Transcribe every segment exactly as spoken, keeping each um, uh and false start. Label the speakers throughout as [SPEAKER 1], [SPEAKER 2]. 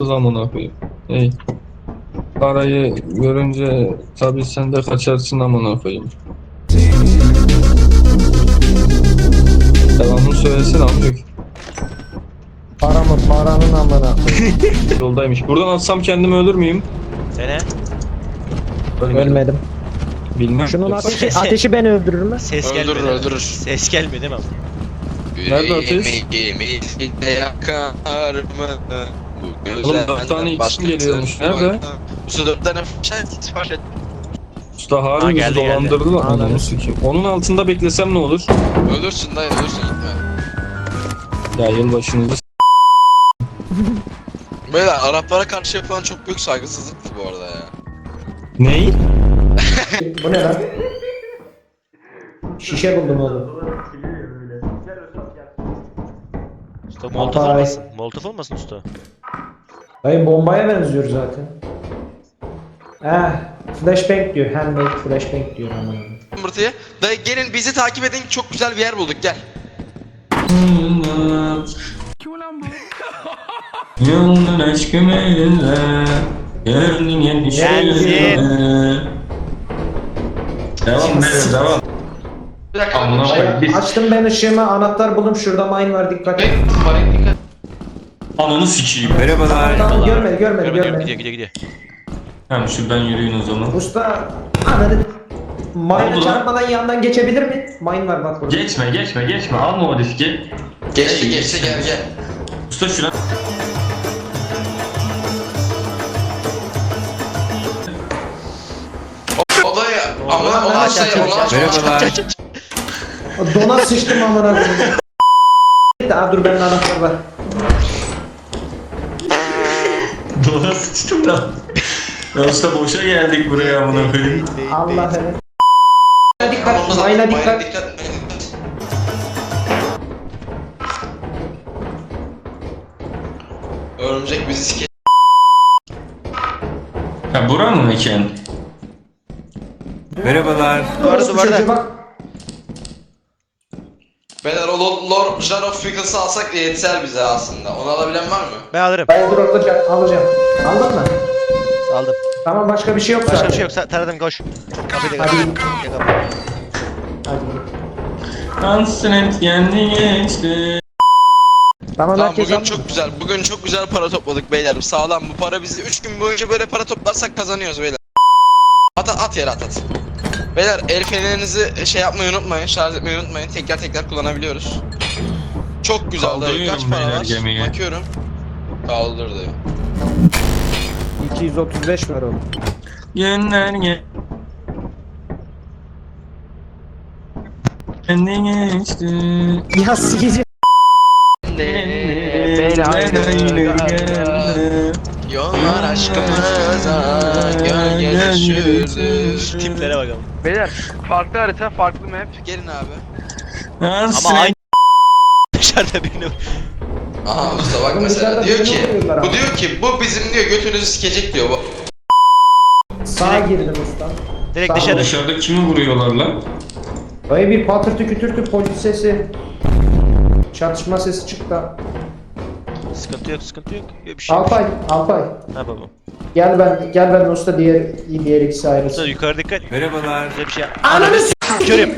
[SPEAKER 1] Amına koyayım. Hey. Parayı görünce tabii sen de kaçarsın amına koyayım. Devamını söylesene amcık.
[SPEAKER 2] Para mı? Paranın amına.
[SPEAKER 1] Yoldaymış. Buradan atsam kendimi ölür müyüm?
[SPEAKER 3] Sene.
[SPEAKER 1] Ölmedim.
[SPEAKER 2] Ölmedim.
[SPEAKER 1] Bilmem.
[SPEAKER 2] Şunun ateşi, ateşi beni öldürür mü?
[SPEAKER 3] Ses
[SPEAKER 4] Öldürür,
[SPEAKER 3] gelmedi.
[SPEAKER 4] öldürür.
[SPEAKER 3] Ses gelmedi mi?
[SPEAKER 1] Nerede ateş?
[SPEAKER 4] Yüreğimizde yakar mı? Bu
[SPEAKER 1] Oğlum dört tane isim geliyormuş. Nerede?
[SPEAKER 4] Bu dört tane sipariş et.
[SPEAKER 1] Usta
[SPEAKER 3] Ha,
[SPEAKER 1] harbi bizi
[SPEAKER 3] geldi, geldi.
[SPEAKER 1] dolandırdı lan.
[SPEAKER 2] Anladım.
[SPEAKER 1] Ananı sikeyim. Onun altında beklesem ne olur?
[SPEAKER 4] Ölürsün dayı, ölürsün, gitme.
[SPEAKER 1] Ya yılbaşınızı s-
[SPEAKER 4] Böyle Araplara karşı yapılan çok büyük saygısızlıktı bu arada ya.
[SPEAKER 1] Ney?
[SPEAKER 2] Bu ne lan? Şişe buldum oğlum.
[SPEAKER 3] Usta molotof
[SPEAKER 2] Hatay.
[SPEAKER 3] olmasın. Molotof olmasın usta.
[SPEAKER 2] Dayı bombaya benziyor zaten. Eh, flashbang diyor. Handmade flashbang diyor amına.
[SPEAKER 4] Mırtıya. Dayı gelin bizi takip edin, çok güzel bir yer bulduk, gel.
[SPEAKER 1] Yolun aşkım elinle gönlün endişeyle. Devam verin devam.
[SPEAKER 4] Bir dakika.
[SPEAKER 1] Amına
[SPEAKER 4] şey-
[SPEAKER 1] koyayım. Biz
[SPEAKER 2] Açtım ben ışığımı, anahtar buldum. Şurada mine var, dikkat et.
[SPEAKER 4] Bek, dikkat.
[SPEAKER 1] ananı sikeyim.
[SPEAKER 2] Tamam, tamam, görmedi, görmedi,
[SPEAKER 3] Gidiyor
[SPEAKER 2] görmedi.
[SPEAKER 3] gidiyor gidiyor. gidiyor.
[SPEAKER 1] Tamam şuradan yürüyün o zaman.
[SPEAKER 2] Usta, ananı... Mine'a
[SPEAKER 1] Oldu lan.
[SPEAKER 2] çarpmadan yandan geçebilir mi? Mine var bak burada.
[SPEAKER 1] Geçme geçme geçme alma o riski.
[SPEAKER 4] Geçti, geçti, gel, gel.
[SPEAKER 1] Usta şuna.
[SPEAKER 4] O dayı, ama
[SPEAKER 2] Ulan
[SPEAKER 4] o
[SPEAKER 2] ben
[SPEAKER 4] aç
[SPEAKER 2] aç,
[SPEAKER 4] dayı,
[SPEAKER 2] aç,
[SPEAKER 4] onu aç.
[SPEAKER 3] Merhabalar.
[SPEAKER 2] Dona sıçtım amına koyayım. Aa dur bende anahtar var.
[SPEAKER 1] Dola sıçtım da. Ya usta boşa geldik buraya amına koyayım.
[SPEAKER 2] Allah evet. Dikkat, mine'a dikkat.
[SPEAKER 4] Örümcek bizi sike...
[SPEAKER 1] Ha bura mı mekan?
[SPEAKER 3] Merhabalar.
[SPEAKER 2] Duvarda
[SPEAKER 3] Duvarda duvarda.
[SPEAKER 2] bak.
[SPEAKER 4] Beyler o Lord, Lord Jar of Fickles'ı alsak yeter bize aslında. Onu alabilen var mı?
[SPEAKER 3] Ben alırım.
[SPEAKER 2] Ben dur alacağım, alacağım. Aldın mı?
[SPEAKER 3] Aldım.
[SPEAKER 2] Tamam başka bir şey yok
[SPEAKER 3] Başka
[SPEAKER 2] zaten.
[SPEAKER 3] bir şey yok. Sa- Taradım koş. Kapıyı da
[SPEAKER 2] Hadi.
[SPEAKER 3] kapat. Ya kapat.
[SPEAKER 2] Hadi.
[SPEAKER 1] Hasret yendi geçti.
[SPEAKER 2] Tamam,
[SPEAKER 4] Tamam
[SPEAKER 2] herkes
[SPEAKER 4] bugün
[SPEAKER 2] aldı.
[SPEAKER 4] çok güzel. Bugün çok güzel para topladık beyler. Sağlam bu para bizi üç gün boyunca böyle para toplarsak kazanıyoruz beyler. At at, at yere at at. Beyler el fenerinizi şey yapmayı unutmayın. Şarj etmeyi unutmayın. Tekrar tekrar kullanabiliyoruz. Çok güzel dayı. Kaç
[SPEAKER 1] Kaldırıyorum
[SPEAKER 4] para
[SPEAKER 1] beyler
[SPEAKER 4] var?
[SPEAKER 1] gemiyi.
[SPEAKER 4] Bakıyorum. Kaldır dayı.
[SPEAKER 2] iki yüz otuz beş var oğlum.
[SPEAKER 1] Günler ge... Kendi geçti.
[SPEAKER 2] Ya sikici.
[SPEAKER 4] Yollar aşkımıza gölge düşürdü.
[SPEAKER 3] Tiplere bakalım.
[SPEAKER 5] Beyler farklı harita farklı map.
[SPEAKER 4] Gelin abi.
[SPEAKER 3] Ama aynı dışarıda birini.
[SPEAKER 4] Aha usta bak
[SPEAKER 2] Oğlum
[SPEAKER 4] mesela
[SPEAKER 2] dışarıda
[SPEAKER 4] diyor
[SPEAKER 2] birini
[SPEAKER 4] ki
[SPEAKER 2] vuruyorlar
[SPEAKER 4] bu
[SPEAKER 2] ama.
[SPEAKER 4] diyor ki bu bizim diyor götünüzü sikecek diyor bu.
[SPEAKER 2] Sağa girdim usta.
[SPEAKER 3] Direkt
[SPEAKER 2] Tamam.
[SPEAKER 3] dışarı.
[SPEAKER 1] Dışarıda kimi vuruyorlar lan?
[SPEAKER 2] Dayı bir patırtı kütürtü polis sesi. Çatışma sesi çıktı.
[SPEAKER 3] Sıkıntı yok sıkıntı yok. Yok bir şey.
[SPEAKER 2] Alpay, Alpay.
[SPEAKER 3] Ne yapalım?
[SPEAKER 2] Gel ben, gel ben usta diğer diğer ikisi
[SPEAKER 3] Usta
[SPEAKER 2] ayrılsın.
[SPEAKER 3] yukarı dikkat. Merhabalar. Güzel bir şey.
[SPEAKER 2] Ananı s***.
[SPEAKER 3] Körüm.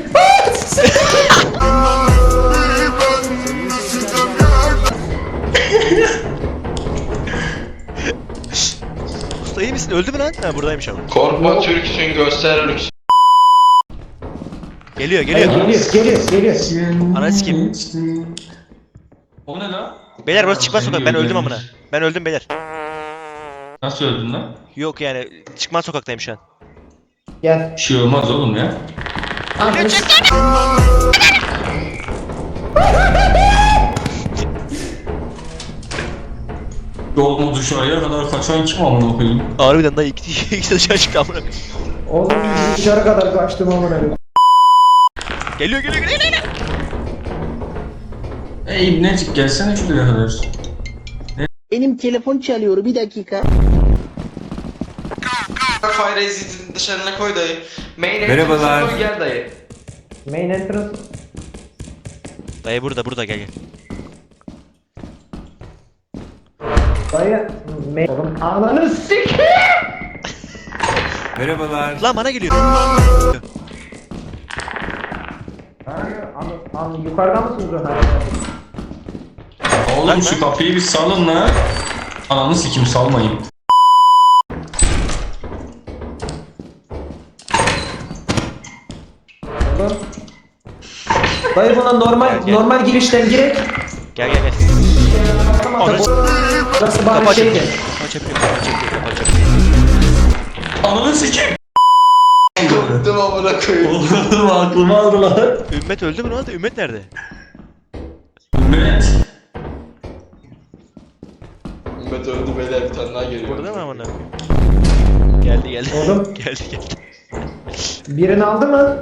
[SPEAKER 3] Usta iyi misin? Öldü mü lan? Ha buradaymış ama.
[SPEAKER 4] Korkma Türksün göster lüks.
[SPEAKER 3] Geliyor
[SPEAKER 2] Geliyor,
[SPEAKER 3] geliyor.
[SPEAKER 2] geliyor, geliyor.
[SPEAKER 3] Ananı sikeyim.
[SPEAKER 1] O ne lan?
[SPEAKER 3] Beyler burası çıkmaz sokak. Ben öldüm amına. Ben öldüm beyler.
[SPEAKER 1] Nasıl öldün lan?
[SPEAKER 3] Yok yani çıkmaz sokaktayım şu an.
[SPEAKER 2] Gel.
[SPEAKER 1] Bir şey olmaz oğlum ya.
[SPEAKER 2] Ananı s***.
[SPEAKER 1] Yolunu dışarıya kadar kaçan kim amına koyayım?
[SPEAKER 3] Harbiden da iki ikisi dışarı çıktı amına.
[SPEAKER 2] Oğlum dışarı kadar kaçtım amına koyayım.
[SPEAKER 3] Geliyor geliyor geliyor. geliyor.
[SPEAKER 1] Ey ibnecik gelsene şuraya kadar.
[SPEAKER 6] Benim telefon çalıyor, bir dakika.
[SPEAKER 4] Fire exit'in dışarına koy dayı.
[SPEAKER 5] Main
[SPEAKER 3] Merhabalar.
[SPEAKER 5] entrance'a koy, gel dayı.
[SPEAKER 2] Main entrance.
[SPEAKER 3] Dayı burada burada gel gel.
[SPEAKER 2] Dayı. Me oğlum ananı sik.
[SPEAKER 7] Merhabalar.
[SPEAKER 3] Lan bana geliyor.
[SPEAKER 2] An, an, yukarıda mısınız Ömer?
[SPEAKER 1] Oğlum şu kapıyı bir salın la. Ananı sikim salmayın.
[SPEAKER 2] Oğlum. Dayı buna normal
[SPEAKER 3] Gel, gel.
[SPEAKER 2] normal girişten girek.
[SPEAKER 3] Gel gel gel.
[SPEAKER 2] Burası
[SPEAKER 3] Kapı
[SPEAKER 2] bari şeydi.
[SPEAKER 3] açabiliyor. Kapı açabiliyor. Kapı açabiliyor. Kapı açabiliyor.
[SPEAKER 1] Ananı sikim.
[SPEAKER 4] Korktum amına koyayım.
[SPEAKER 1] Oğlum aklımı aldılar.
[SPEAKER 3] Ümmet öldü mü lan? Ümmet nerede?
[SPEAKER 1] Ümmet.
[SPEAKER 4] Ümmet öldü beyler, bir tane daha geliyor.
[SPEAKER 3] Burada mı amına koyayım? Geldi geldi.
[SPEAKER 2] Oğlum.
[SPEAKER 3] geldi geldi.
[SPEAKER 2] Birini aldı mı?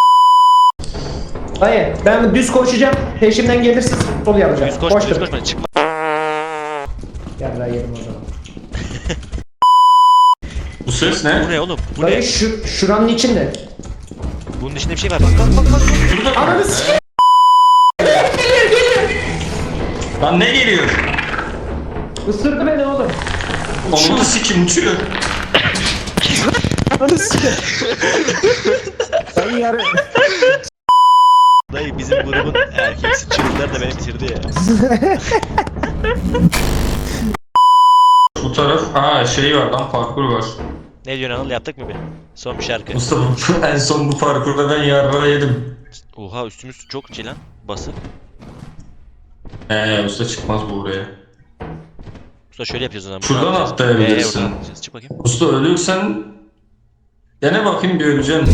[SPEAKER 2] Dayı ben düz koşacağım. Peşimden gelirsin sol yapacağım.
[SPEAKER 3] Düz koşma düz
[SPEAKER 2] Koştum.
[SPEAKER 3] koşma çıkma.
[SPEAKER 2] Gel daha yerim o zaman.
[SPEAKER 1] Bu ses
[SPEAKER 3] Bu
[SPEAKER 1] ne?
[SPEAKER 3] ne oğlum? Bu
[SPEAKER 2] Dayı
[SPEAKER 3] ne?
[SPEAKER 2] şu, şuranın içinde.
[SPEAKER 3] Bunun içinde bir şey var. Bak bak bak bak.
[SPEAKER 1] Şurada mı?
[SPEAKER 2] Ananı sikeyim.
[SPEAKER 1] Lan ne geliyor?
[SPEAKER 2] Isırdı beni oğlum.
[SPEAKER 1] Ananı sikim uçuyor.
[SPEAKER 2] Ananı sikeyim. Dayı yarı.
[SPEAKER 3] Dayı bizim grubun erkeksi çocuklar da beni bitirdi ya.
[SPEAKER 1] Bu taraf, ha şey var lan, parkur var.
[SPEAKER 3] Ne diyorsun Anıl, yaptık mı bir? Son bir şarkı.
[SPEAKER 1] Mustafa en son bu parkurda ben yarra yedim.
[SPEAKER 3] Oha üstümüz çok şey lan. Basık.
[SPEAKER 1] Eee usta çıkmaz bu buraya.
[SPEAKER 3] Usta şöyle yapıyoruz o zaman.
[SPEAKER 1] Şuradan
[SPEAKER 3] Buradan yapacağız.
[SPEAKER 1] atlayabilirsin.
[SPEAKER 3] Ee, buradan atlayacağız. Çık bakayım.
[SPEAKER 1] Usta ölürsen dene bakayım bir öleceksin.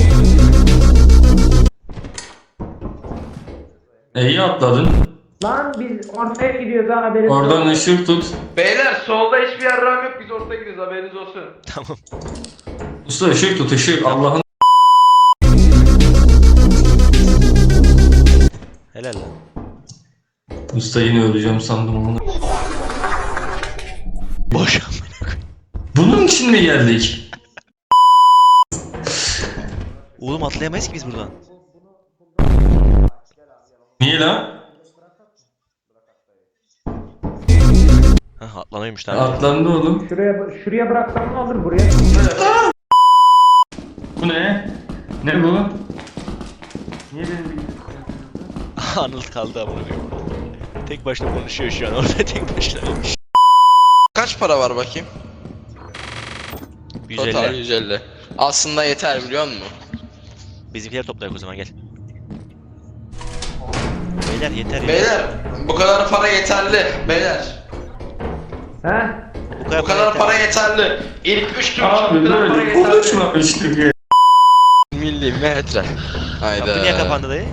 [SPEAKER 1] E, iyi atladın.
[SPEAKER 2] Lan biz ortaya gidiyoruz ha haberimiz yok.
[SPEAKER 1] Oradan ışık tut.
[SPEAKER 5] Beyler solda hiçbir yarram yok, biz ortaya gidiyoruz, haberiniz olsun.
[SPEAKER 3] Tamam.
[SPEAKER 1] Usta ışık tut, ışık. Allah'ın
[SPEAKER 3] Helal lan.
[SPEAKER 1] usta yine öleceğim sandım onu.
[SPEAKER 3] Boş.
[SPEAKER 1] Bunun için mi geldik?
[SPEAKER 3] Oğlum atlayamayız ki biz buradan.
[SPEAKER 1] Niye lan?
[SPEAKER 3] Hah atlanıyormuş tamam.
[SPEAKER 1] Atlandı oğlum.
[SPEAKER 2] Şuraya şuraya bıraksam ne olur buraya?
[SPEAKER 1] Bu ne? Ne bu? Niye benim
[SPEAKER 3] Anıl kaldı amına koyayım. Tek başına konuşuyor şu an orada tek başına.
[SPEAKER 4] Kaç para var bakayım? Total
[SPEAKER 3] yüz elli.
[SPEAKER 4] yüz elli. Aslında yeter biliyor musun?
[SPEAKER 3] Bizimkileri toplayak o zaman gel. Beyler yeter ya.
[SPEAKER 4] Beyler bu kadar para yeterli. Beyler
[SPEAKER 2] He?
[SPEAKER 3] Bu kadar,
[SPEAKER 4] bu kadar
[SPEAKER 3] yeter.
[SPEAKER 4] para yeterli. İlk üç tur
[SPEAKER 1] Abi
[SPEAKER 4] bu kadar para
[SPEAKER 1] böyle
[SPEAKER 4] yeterli.
[SPEAKER 1] konuşmamıştık ya.
[SPEAKER 4] Milimetre. Hayda.
[SPEAKER 3] Kapı niye kapandı dayı?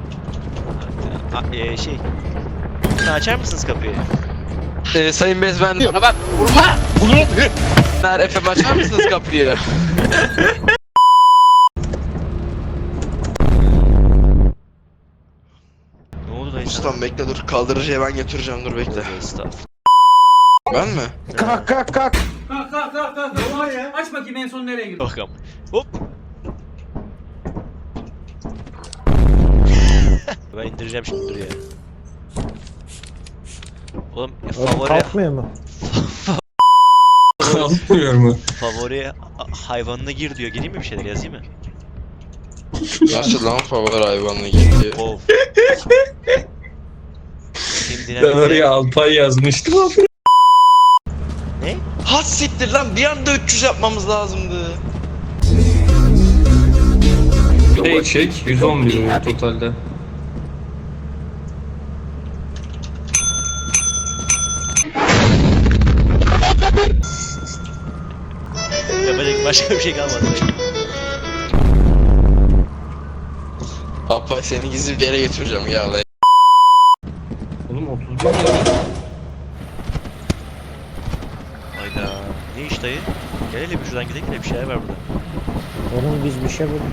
[SPEAKER 3] A- e, şey. Sen açar mısınız kapıyı?
[SPEAKER 4] Ee, Sayın Bezmen. Bana bak vurma. Bunu. Ner Efem açar mısınız kapıyı?
[SPEAKER 3] Ne oldu dayı sana?
[SPEAKER 4] Ustam bekle dur, kaldırıcıya ben götüreceğim, dur bekle.
[SPEAKER 3] Tövbe estağfurullah.
[SPEAKER 4] Ben mi?
[SPEAKER 2] Kalk kalk kalk.
[SPEAKER 8] Kalk kalk kalk kalk. Oha ya. Aç bakayım en son nereye girdi.
[SPEAKER 3] Bakalım. Hop. Ben indireceğim şimdi dur ya. Oğlum e, favori
[SPEAKER 2] Kalkmıyor mu?
[SPEAKER 1] Kalkmıyor mu?
[SPEAKER 3] favori a- hayvanına gir diyor. Gireyim mi bir şeyler yazayım mı?
[SPEAKER 4] Nasıl lan favori hayvanına gitti?
[SPEAKER 3] Of. Bakayım
[SPEAKER 1] Ben
[SPEAKER 3] dinamikte-
[SPEAKER 1] oraya Alpay yazmıştım.
[SPEAKER 3] Ne?
[SPEAKER 4] Has siktir lan, bir anda üç yüz yapmamız lazımdı.
[SPEAKER 1] Şey çek yüz on bir oluyor totalde.
[SPEAKER 3] Yapacak başka bir şey kalmadı.
[SPEAKER 4] Apa seni gizli bir yere götüreceğim ya lan.
[SPEAKER 1] Oğlum otuz bir lira.
[SPEAKER 3] Hayda. Ne iş dayı? Gel hele bir şuradan gidelim de bir şeyler var burada.
[SPEAKER 2] Oğlum biz bir şey bulduk.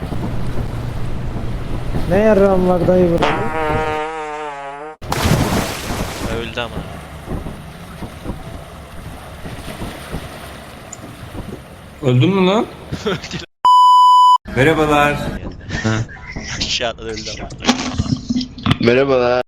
[SPEAKER 2] Ne yarram var dayı burada?
[SPEAKER 3] Öldü ama.
[SPEAKER 1] Öldün mü lan?
[SPEAKER 7] Merhabalar.
[SPEAKER 3] Aşağı atladı öldü ama.
[SPEAKER 4] Merhabalar.